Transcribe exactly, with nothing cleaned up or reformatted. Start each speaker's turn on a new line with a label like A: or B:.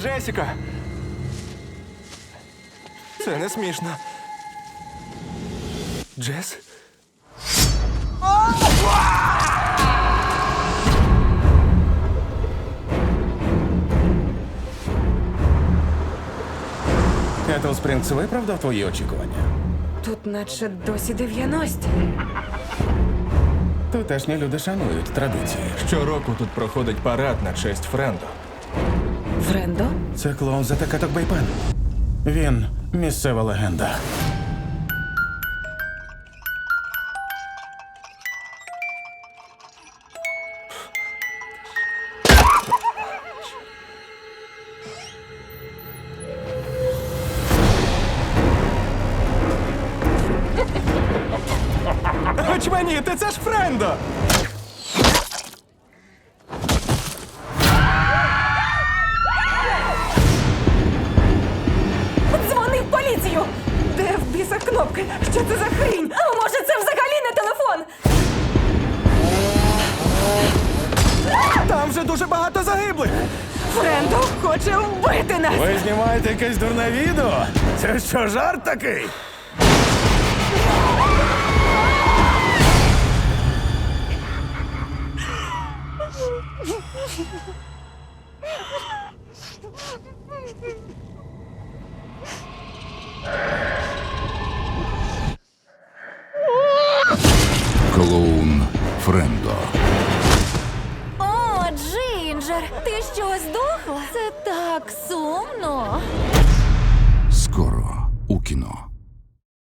A: Джесіка! Це не смішно. Джес?
B: Кетл Спрінгс виправдав твої очікування?
C: Тут наче досі дев'яності.
B: Тутешні люди шанують традиції.
A: Щороку тут проходить парад на честь Френдо.
C: Френдо?
B: Це клоун за Такаток Бейпен. Він місцева легенда.
A: Очманіти, це ж Френдо!
C: Дзвони в поліцію! Де в біса кнопки? Що це за хрінь? А може це взагалі не телефон?
A: Там же дуже багато загиблих!
C: Френдо хоче вбити нас!
B: Ви знімаєте якесь дурне відео? Це що, жарт такий?
D: Клоун Френдо.
E: О, Джинджер, ти що, здохла? Це так сумно.